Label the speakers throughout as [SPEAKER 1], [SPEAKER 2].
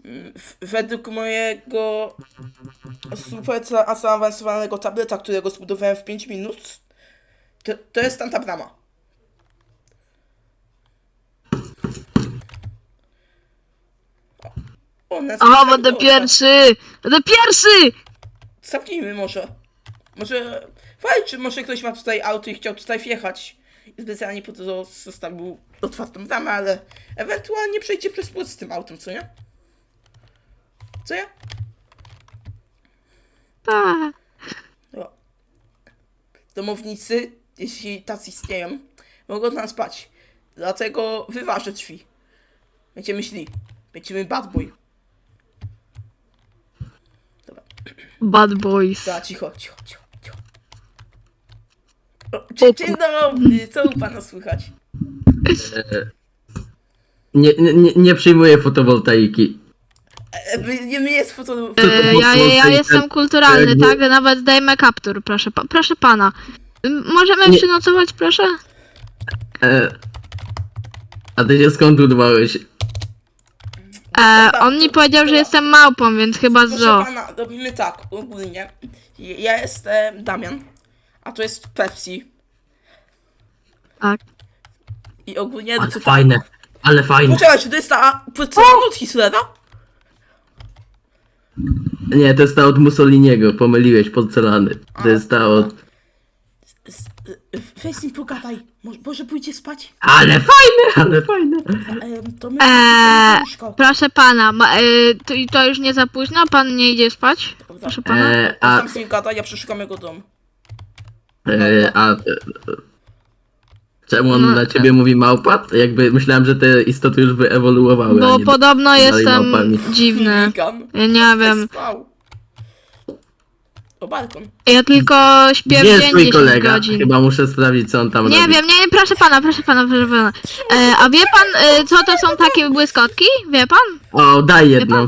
[SPEAKER 1] Według mojego super zaawansowanego tableta, którego zbudowałem w 5 minut, to jest tam ta brama.
[SPEAKER 2] O, będę pierwszy! Będę pierwszy!
[SPEAKER 1] Zamknijmy może. Może... Fajnie, czy może ktoś ma tutaj auto i chciał tutaj wjechać. I specjalnie po to zostawił otwartą bramę, ale ewentualnie przejdzie przez płot z tym autem, co nie? Co ja?
[SPEAKER 2] Tak.
[SPEAKER 1] No. Domownicy, jeśli tacy istnieją, mogą tam spać. Dlatego wyważę drzwi. Będziemy szli. Będziemy bad boy. Dobra.
[SPEAKER 2] Bad boys.
[SPEAKER 1] Da, cicho. O, dzień dobry, co u pana słychać?
[SPEAKER 3] Nie przyjmuję fotowoltaiki.
[SPEAKER 1] Nie jest foto...
[SPEAKER 2] Ja jestem kulturalny, tak? Nawet dajmy kaptur, proszę pana. Możemy przynocować, proszę?
[SPEAKER 3] A ty się skąd udawałeś?
[SPEAKER 2] On mi powiedział, że jestem małpą, więc chyba
[SPEAKER 1] Proszę
[SPEAKER 2] zo.
[SPEAKER 1] pana, robimy tak, ogólnie. Ja jestem Damian, a to jest Pepsi.
[SPEAKER 2] Tak.
[SPEAKER 1] I ogólnie...
[SPEAKER 3] Ale fajne, ale fajne.
[SPEAKER 1] Poczekaj, czy to jest ta porcelana od Hitlera?
[SPEAKER 3] Nie, to jest ta od Mussoliniego, pomyliłeś, porcelany. To jest ta od...
[SPEAKER 1] Weź z nim pogadaj, może pójdzie spać?
[SPEAKER 3] Ale fajne.
[SPEAKER 1] To my...
[SPEAKER 2] Proszę pana, to już nie za późno? Pan nie idzie spać? Proszę pana.
[SPEAKER 1] A... Tam z nim gada, ja przeszukam jego dom.
[SPEAKER 3] Czemu on na ciebie mówi małpa? Jakby myślałem, że te istoty już wyewoluowały. a
[SPEAKER 2] Bo
[SPEAKER 3] nie
[SPEAKER 2] podobno
[SPEAKER 3] dalej
[SPEAKER 2] jestem
[SPEAKER 3] małpami.
[SPEAKER 2] dziwny.
[SPEAKER 1] Chuligan.
[SPEAKER 2] Ja nie wiem.
[SPEAKER 1] Spał. O balkon.
[SPEAKER 2] Ja tylko śpię
[SPEAKER 3] Gdzie
[SPEAKER 2] w
[SPEAKER 3] jest
[SPEAKER 2] dzień
[SPEAKER 3] twój
[SPEAKER 2] 10
[SPEAKER 3] kolega?
[SPEAKER 2] godzin.
[SPEAKER 3] Chyba muszę sprawdzić, co on tam
[SPEAKER 2] Nie
[SPEAKER 3] robi.
[SPEAKER 2] wiem, nie, proszę pana. A wie pan, co to są takie błyskotki? Wie pan?
[SPEAKER 3] O, daj jedną.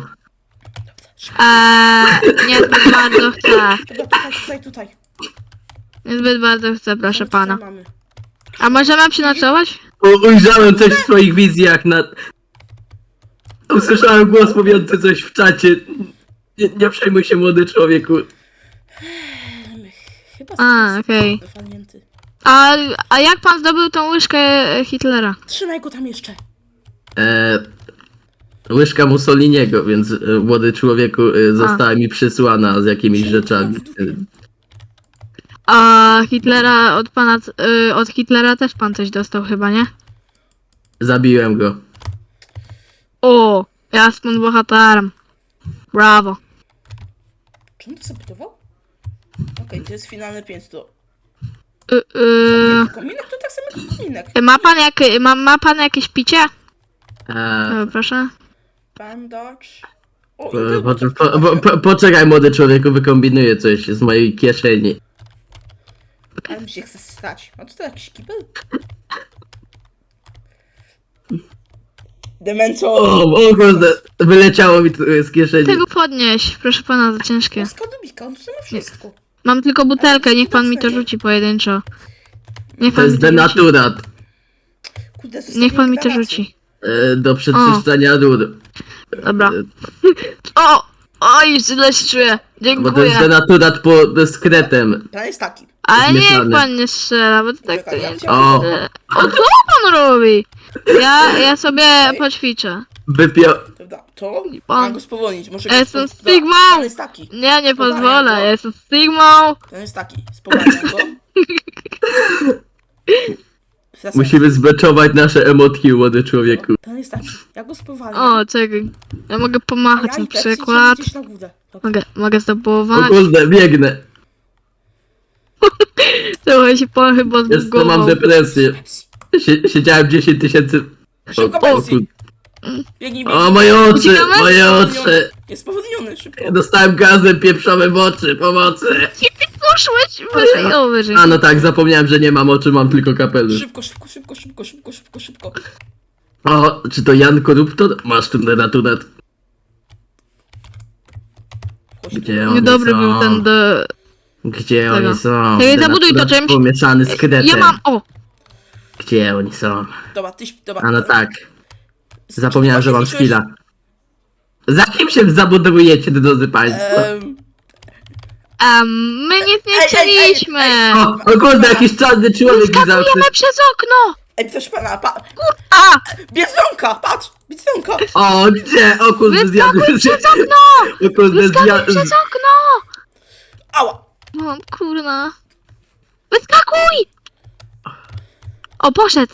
[SPEAKER 2] Niezbyt bardzo chcę.
[SPEAKER 1] Dobra, tutaj.
[SPEAKER 2] Niezbyt bardzo chcę, proszę
[SPEAKER 1] Tutaj
[SPEAKER 2] pana.
[SPEAKER 1] mamy.
[SPEAKER 2] A możemy przynocować?
[SPEAKER 3] Ujrzałem coś w swoich wizjach na... Usłyszałem głos mówiący coś w czacie. Nie przejmuj się, młody człowieku.
[SPEAKER 1] Chyba
[SPEAKER 2] Okej.
[SPEAKER 1] Walnięty.
[SPEAKER 2] A jak pan zdobył tą łyżkę Hitlera?
[SPEAKER 1] Trzymaj go tam jeszcze.
[SPEAKER 3] Łyżka Mussoliniego, więc młody człowieku została mi przysłana z jakimiś rzeczami.
[SPEAKER 2] A Hitlera od Hitlera też pan coś dostał chyba, nie?
[SPEAKER 3] Zabiłem go.
[SPEAKER 2] O, ja jestem bohaterem. Brawo.
[SPEAKER 1] Czy on to zabudował? Okej, to jest finalne piętro. Kominek to tak samo jak kominek.
[SPEAKER 2] Ma pan jakieś picie? Proszę.
[SPEAKER 1] Bandage. O,
[SPEAKER 3] Poczekaj, młody człowieku, wykombinuję coś z mojej kieszeni.
[SPEAKER 1] ale mi się chce stać. A to jakiś kibel? Demento!
[SPEAKER 3] O kurde, wyleciało mi tu z kieszeni.
[SPEAKER 2] Tego podnieść, proszę pana, za ciężkie.
[SPEAKER 1] Skadubika, on tu ma wszystko.
[SPEAKER 2] Mam tylko butelkę, niech pan mi to rzuci pojedynczo. Niech
[SPEAKER 3] To
[SPEAKER 2] pan mi
[SPEAKER 3] jest
[SPEAKER 2] to rzuci.
[SPEAKER 3] denaturat.
[SPEAKER 1] Kurde,
[SPEAKER 2] Niech pan mi to
[SPEAKER 1] zostawiłem
[SPEAKER 2] rzuci.
[SPEAKER 3] Do przeczyszczania dur.
[SPEAKER 2] Dobra. Oj, źle się czuję.
[SPEAKER 3] Bo to jest
[SPEAKER 2] Dziękuję.
[SPEAKER 3] denaturat po skretem.
[SPEAKER 1] Plan jest taki.
[SPEAKER 2] Ale niech
[SPEAKER 3] zmieszany.
[SPEAKER 2] pan nie strzela, bo to tak to
[SPEAKER 1] Czekaj, ja
[SPEAKER 2] nie...
[SPEAKER 1] chciałem-
[SPEAKER 3] O,
[SPEAKER 2] O, co pan robi? Ja sobie poćwiczę.
[SPEAKER 1] Prawda, to
[SPEAKER 2] Pan-
[SPEAKER 1] mam go spowolnić. Może
[SPEAKER 2] Ja jestem
[SPEAKER 1] Dobra,
[SPEAKER 2] Stigmą!
[SPEAKER 1] Plan jest taki.
[SPEAKER 2] Ja nie
[SPEAKER 1] Spowalniam
[SPEAKER 2] pozwolę,
[SPEAKER 1] go.
[SPEAKER 2] ja jestem Stigmą.
[SPEAKER 1] Plan jest taki. Spowalniam go. Wracam.
[SPEAKER 3] musimy zbeczować nasze emotki, młody człowieku.
[SPEAKER 1] Plan jest taki. Ja go spowalniam.
[SPEAKER 2] O, czekaj. Ja mogę
[SPEAKER 1] a
[SPEAKER 2] pomachać
[SPEAKER 1] ja
[SPEAKER 2] na
[SPEAKER 1] i Pepsi
[SPEAKER 2] przykład.
[SPEAKER 1] idziesz na górę. Dobra.
[SPEAKER 2] Mogę
[SPEAKER 3] O
[SPEAKER 2] zdobywać.
[SPEAKER 3] kurde, biegnę.
[SPEAKER 2] Trochę się pan chyba
[SPEAKER 3] Jest, to mam
[SPEAKER 2] zbugował.
[SPEAKER 3] depresję.
[SPEAKER 1] Pepsi.
[SPEAKER 3] Siedziałem 10 tysięcy...
[SPEAKER 1] Szybko, Pepsi. Biegnij, biegnij.
[SPEAKER 3] O, moje oczy,
[SPEAKER 2] Uciekamy?
[SPEAKER 3] moje oczy.
[SPEAKER 1] Jest spowolniony, szybko.
[SPEAKER 3] Dostałem gazem pieprzowym w oczy, pomocy.
[SPEAKER 2] Poszłeś wyżej.
[SPEAKER 3] A no tak, zapomniałem, że nie mam oczu, mam tylko kapelusz.
[SPEAKER 1] Szybko.
[SPEAKER 3] O, czy to Jan Koruptor? Masz tu denaturat. Gdzie oni
[SPEAKER 2] Niedobry
[SPEAKER 3] są?
[SPEAKER 2] był ten do...
[SPEAKER 3] Gdzie
[SPEAKER 2] tego.
[SPEAKER 3] oni są?
[SPEAKER 2] Czekaj, zabuduj to
[SPEAKER 3] Denaturat
[SPEAKER 2] czymś.
[SPEAKER 3] pomieszany z kretem.
[SPEAKER 2] Ja mam... O!
[SPEAKER 3] Gdzie oni są?
[SPEAKER 1] Dobra,
[SPEAKER 3] A no tak. Zapomniałem, że mam skilla. Za kim się zabudowujecie, drodzy państwo?
[SPEAKER 2] My nic nie
[SPEAKER 1] Ej,
[SPEAKER 2] chcieliśmy!
[SPEAKER 3] O kurde, jakiś czarny człowiek mi zawsze...
[SPEAKER 2] Skakujemy przez okno!
[SPEAKER 1] Ej, proszę pana,
[SPEAKER 2] A!
[SPEAKER 1] Biedronka, patrz, Biedronka.
[SPEAKER 3] O, gdzie? O kurde, zjadłem się.
[SPEAKER 2] Przez okno!
[SPEAKER 3] O kurde,
[SPEAKER 2] Wyskakuj
[SPEAKER 3] zjadłem...
[SPEAKER 2] przez okno!
[SPEAKER 1] Ała.
[SPEAKER 2] No kurna. Wyskakuj! O, poszedł!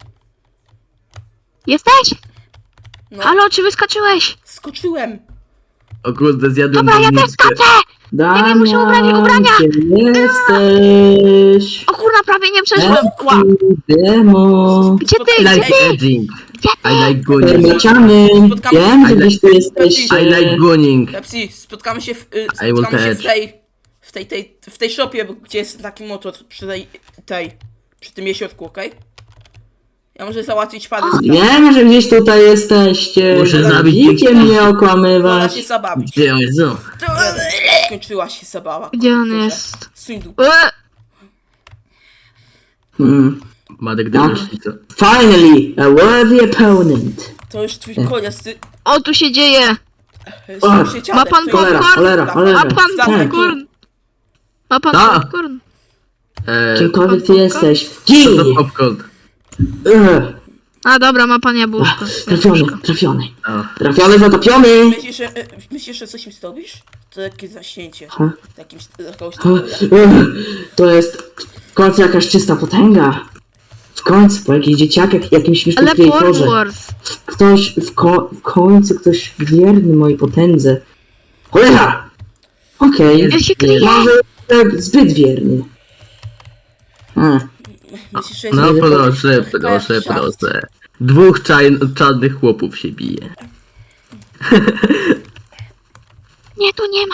[SPEAKER 2] Jesteś?
[SPEAKER 1] No,
[SPEAKER 2] Halo, czy wyskoczyłeś?
[SPEAKER 1] skoczyłem.
[SPEAKER 3] O kurde, zjadłem
[SPEAKER 2] Dobra, ja też
[SPEAKER 3] doniczkę.
[SPEAKER 2] skaczę! Nie muszę ubrać ubrania!
[SPEAKER 4] Gdzie jesteś?
[SPEAKER 2] O kurna, prawie nie przeszłem. Ła.
[SPEAKER 4] Demo.
[SPEAKER 2] Gdzie ty?
[SPEAKER 3] I
[SPEAKER 2] Gdzie
[SPEAKER 3] like
[SPEAKER 2] ty?
[SPEAKER 3] edging.
[SPEAKER 2] Gdzie ty?
[SPEAKER 3] I like gunning.
[SPEAKER 4] Herbaciany.
[SPEAKER 1] Spotkamy
[SPEAKER 4] Wiem,
[SPEAKER 1] się.
[SPEAKER 4] że gdzieś tu jesteście.
[SPEAKER 3] I like gunning.
[SPEAKER 1] Pepsi, spotkamy się
[SPEAKER 3] I will catch.
[SPEAKER 1] w tej shopie, gdzie jest taki motor przy przy tym jeziorku, okej? Ja muszę załatwić parę spraw.
[SPEAKER 4] Wiem, że gdzieś tutaj jesteście.
[SPEAKER 3] Muszę zabić
[SPEAKER 4] Widzicie
[SPEAKER 3] dziewczynę.
[SPEAKER 4] mnie
[SPEAKER 1] Pora się
[SPEAKER 4] okłamywać.
[SPEAKER 1] zabawić.
[SPEAKER 3] Gdzie on jest? No.
[SPEAKER 1] Skończyła się zabawa.
[SPEAKER 2] Gdzie on
[SPEAKER 1] Proszę.
[SPEAKER 2] jest?
[SPEAKER 1] Suń dół.
[SPEAKER 3] Madek
[SPEAKER 4] No.
[SPEAKER 3] Demoszlica.
[SPEAKER 4] Finally, a worthy opponent.
[SPEAKER 1] To już twój koniec, ty...
[SPEAKER 2] O, tu się dzieje!
[SPEAKER 1] Sąsieciadek,
[SPEAKER 2] Ma pan
[SPEAKER 1] to jest-
[SPEAKER 2] popcorn?
[SPEAKER 4] Cholera, cholera.
[SPEAKER 2] Ma pan
[SPEAKER 1] Wracaj tu.
[SPEAKER 2] popcorn? Ma pan
[SPEAKER 3] A.
[SPEAKER 2] popcorn?
[SPEAKER 4] Kimkolwiek ty
[SPEAKER 2] Popcorn?
[SPEAKER 4] jesteś.
[SPEAKER 3] Co
[SPEAKER 4] Gin!
[SPEAKER 3] to popcorn?
[SPEAKER 2] A dobra, ma pan jabłuszko.
[SPEAKER 4] Trafiony, trafiony.
[SPEAKER 3] O.
[SPEAKER 4] Trafiony, zatopiony.
[SPEAKER 1] Myślisz, że coś mi zrobisz? To takie zaśnięcie.
[SPEAKER 4] Ha?
[SPEAKER 1] Jakąś
[SPEAKER 4] To jest w końcu jakaś czysta potęga. W końcu, po jakichś dzieciakach, jakimś
[SPEAKER 2] Ale
[SPEAKER 4] śmiesznym kreatorze.
[SPEAKER 2] Wars.
[SPEAKER 4] Ktoś, w końcu ktoś wierny mojej potędze. Cholera! Okej,
[SPEAKER 2] Ja się kryję.
[SPEAKER 4] może tak zbyt wierny.
[SPEAKER 1] Myślisz, że
[SPEAKER 3] No
[SPEAKER 1] jest...
[SPEAKER 3] proszę,
[SPEAKER 1] Chyba
[SPEAKER 3] proszę,
[SPEAKER 1] jak szaf.
[SPEAKER 3] proszę. Dwóch czarnych chłopów się bije.
[SPEAKER 2] Nie, tu nie ma.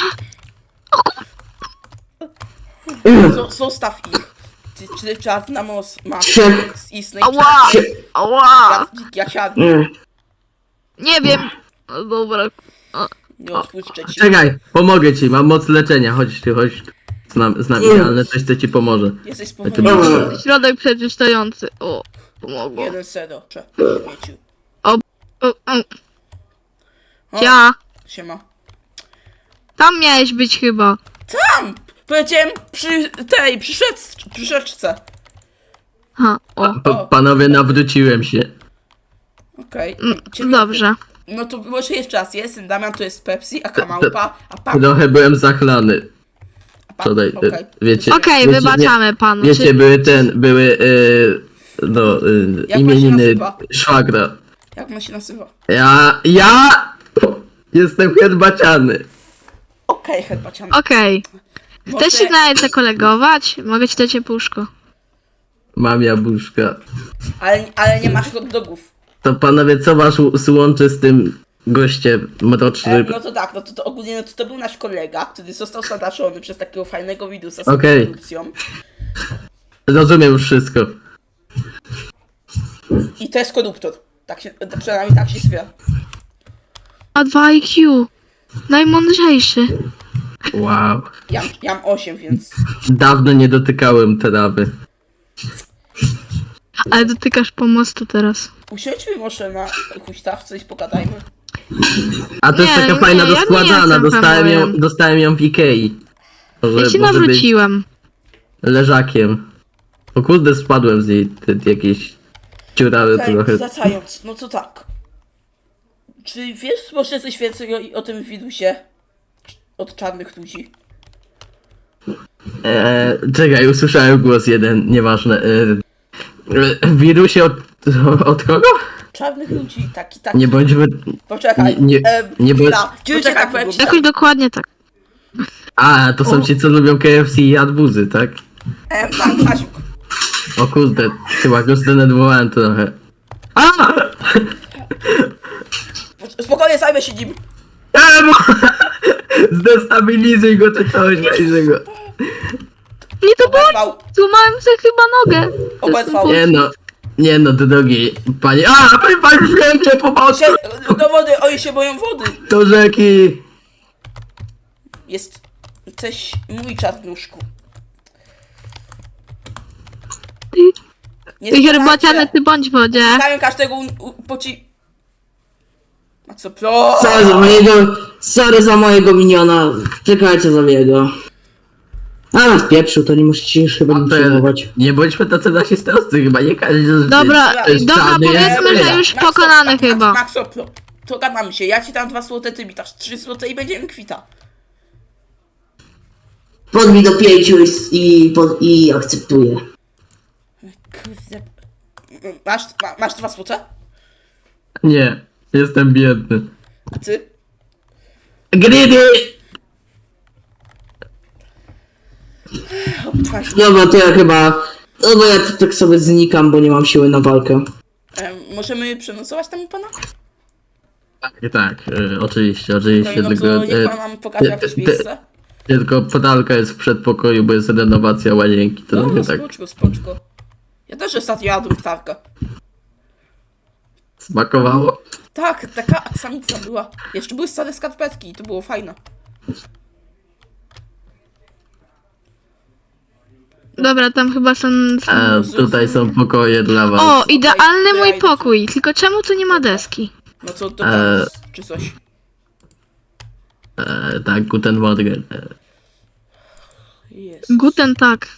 [SPEAKER 1] Zostaw ich. Czy czarna ma
[SPEAKER 4] Trzech.
[SPEAKER 1] istnej
[SPEAKER 2] Ała! Ała!
[SPEAKER 1] ja siadnę.
[SPEAKER 2] Nie wiem. No dobra.
[SPEAKER 1] Nie odpuszczę ci.
[SPEAKER 3] Czekaj, pomogę ci, mam moc leczenia, chodź tu, chodź. Z nami, ale coś co ci pomoże.
[SPEAKER 1] Jesteś
[SPEAKER 3] Ty
[SPEAKER 1] spowolniony.
[SPEAKER 2] Środek przeczyszczający. O, pomogło.
[SPEAKER 1] 1-0. Śmieciu.
[SPEAKER 2] O,
[SPEAKER 1] O,
[SPEAKER 2] ja.
[SPEAKER 1] Siema.
[SPEAKER 2] Tam miałeś być chyba.
[SPEAKER 1] Tam! Powiedziałem przy rzeczce.
[SPEAKER 2] Ha, o.
[SPEAKER 3] Panowie, nawróciłem się.
[SPEAKER 1] Okej.
[SPEAKER 2] Dobrze.
[SPEAKER 1] No to może jeszcze raz. Jestem Damian, to jest Pepsi, a Kamałpa, a pan.
[SPEAKER 3] Trochę byłem zachlany. Wczoraj,
[SPEAKER 1] Okej.
[SPEAKER 3] wiecie.
[SPEAKER 2] Okej,
[SPEAKER 3] wiecie,
[SPEAKER 2] wybaczamy panu.
[SPEAKER 3] Wiecie, były
[SPEAKER 1] Jak
[SPEAKER 3] imieniny
[SPEAKER 1] on się nazywa?
[SPEAKER 3] szwagra.
[SPEAKER 1] Jak on się nazywa?
[SPEAKER 3] Ja jestem herbaciany.
[SPEAKER 1] Okej, herbaciany.
[SPEAKER 2] Okej.
[SPEAKER 1] Może-
[SPEAKER 2] Chcesz się nawet zakolegować? Mogę ci dać ciepłuszko.
[SPEAKER 3] Mam jabłuszka.
[SPEAKER 1] Ale nie masz hot dogów.
[SPEAKER 3] To panowie, co was łączy z tym gościem mrocznym?
[SPEAKER 1] No to tak, no to ogólnie to był nasz kolega, który został zadaszony przez takiego fajnego widusa z
[SPEAKER 3] Okej.
[SPEAKER 1] korupcją.
[SPEAKER 3] Rozumiem już wszystko.
[SPEAKER 1] I to jest koruptor. Tak się, przynajmniej tak się stwierdza.
[SPEAKER 2] A 2 IQ. Najmądrzejszy.
[SPEAKER 3] Wow.
[SPEAKER 1] Ja mam 8, więc...
[SPEAKER 3] Dawno nie dotykałem trawy.
[SPEAKER 2] Ale dotykasz pomostu teraz.
[SPEAKER 1] Usiądźmy może na huśtawce i pogadajmy.
[SPEAKER 3] A to jest
[SPEAKER 2] Nie,
[SPEAKER 3] taka
[SPEAKER 2] nie,
[SPEAKER 3] fajna
[SPEAKER 2] ja nie
[SPEAKER 3] doskładana,
[SPEAKER 2] jestem fanboyem.
[SPEAKER 3] dostałem ją w Ikei.
[SPEAKER 2] Ja się
[SPEAKER 3] może być
[SPEAKER 2] nawróciłem.
[SPEAKER 3] leżakiem. O kurde, spadłem z niej jakieś dziurawy trochę.
[SPEAKER 1] Wracając, no to tak. Czy wiesz może coś więcej o tym wirusie? Od czarnych ludzi?
[SPEAKER 3] Czekaj, usłyszałem głos jeden, nieważne. Wirusie od kogo?
[SPEAKER 1] Czarnych ludzi, taki.
[SPEAKER 3] Nie bądźmy...
[SPEAKER 1] Poczekaj.
[SPEAKER 3] nie
[SPEAKER 1] chwila. Poczekaj, powiem ci
[SPEAKER 2] Jakoś dokładnie tak.
[SPEAKER 3] A, to są ci, co lubią KFC i jadbuzy, tak?
[SPEAKER 1] tak, Kasiuk.
[SPEAKER 3] O kurde, chyba go zdenerwowałem trochę. A!
[SPEAKER 1] Spokojnie, zajmę się nim.
[SPEAKER 3] Emo! Zdestabilizuj go czy coś, weź go.
[SPEAKER 2] Nie to było.
[SPEAKER 1] Oberwał.
[SPEAKER 2] Złamałem sobie chyba nogę.
[SPEAKER 1] Oberwał.
[SPEAKER 3] Nie no, drogi panie. A, panie święcie, pomocy!
[SPEAKER 1] Do wody, oni się boją wody.
[SPEAKER 3] Do rzeki!
[SPEAKER 1] Jesteś mój czarnuszku. Nie
[SPEAKER 2] Ty herbaciany, ty bądź w wodzie.
[SPEAKER 1] Stawiam każdego Maxo Pro!
[SPEAKER 4] Sorry za mojego miniona. Czekajcie za niego. A nas pieprzył, to nie musicie już chyba nim przejmować.
[SPEAKER 3] Nie bądźmy tacy rasistowscy, chyba nie każdy z
[SPEAKER 2] Dobra,
[SPEAKER 3] to jest
[SPEAKER 2] dobra,
[SPEAKER 3] czarny,
[SPEAKER 2] powiedzmy,
[SPEAKER 3] jest
[SPEAKER 2] że już
[SPEAKER 1] Maxo,
[SPEAKER 2] pokonany
[SPEAKER 1] Max-
[SPEAKER 2] chyba.
[SPEAKER 1] Maxo Pro, to gadamy się, ja ci dam 2 złote, ty mi dasz 3 złote i będziemy kwita.
[SPEAKER 4] Podbij do 5 i akceptuję.
[SPEAKER 1] Kurde. Masz 2 złote?
[SPEAKER 3] Nie, jestem biedny.
[SPEAKER 1] A ty?
[SPEAKER 3] Greedy!
[SPEAKER 4] Dobra, to ja chyba... No bo ja tak sobie znikam, bo nie mam siły na walkę.
[SPEAKER 1] Możemy przenocować tam u pana?
[SPEAKER 3] Tak, oczywiście,
[SPEAKER 1] No
[SPEAKER 3] tylko...
[SPEAKER 1] to niech pan nam pokaże jakieś miejsce.
[SPEAKER 3] Tylko podalka jest w przedpokoju, bo jest renowacja łazienki, to
[SPEAKER 1] No,
[SPEAKER 3] trochę tak
[SPEAKER 1] spoczko. Ja też ostatnio jadłem ptarkę.
[SPEAKER 3] smakowało.
[SPEAKER 1] Tak, taka aksamica była. Jeszcze były stare skarpetki i to było fajne.
[SPEAKER 2] Dobra, tam chyba są...
[SPEAKER 3] A tutaj są pokoje dla was.
[SPEAKER 2] O, idealny
[SPEAKER 1] ja
[SPEAKER 2] mój
[SPEAKER 1] idę.
[SPEAKER 2] pokój, tylko czemu tu nie ma deski?
[SPEAKER 1] No to czy coś.
[SPEAKER 3] Tak, Guten Morgen.
[SPEAKER 1] Jest.
[SPEAKER 2] Guten tak.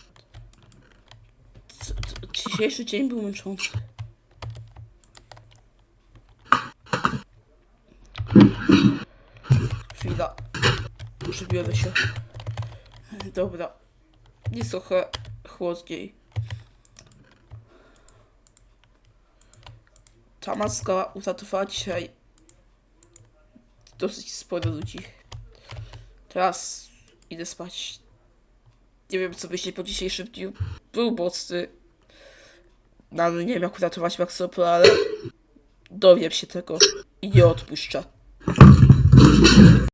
[SPEAKER 1] Dzisiejszy dzień był męczący. Chwila. Przybiorę się. Dobra. Jest trochę chłodniej. Ta maska uratowała dzisiaj dosyć sporo ludzi. Teraz idę spać. Nie wiem, co myśleć po dzisiejszym dniu. Był mocny. No, ale nie wiem, jak uratować Maxopro, ale dowiem się tego i nie odpuszczę.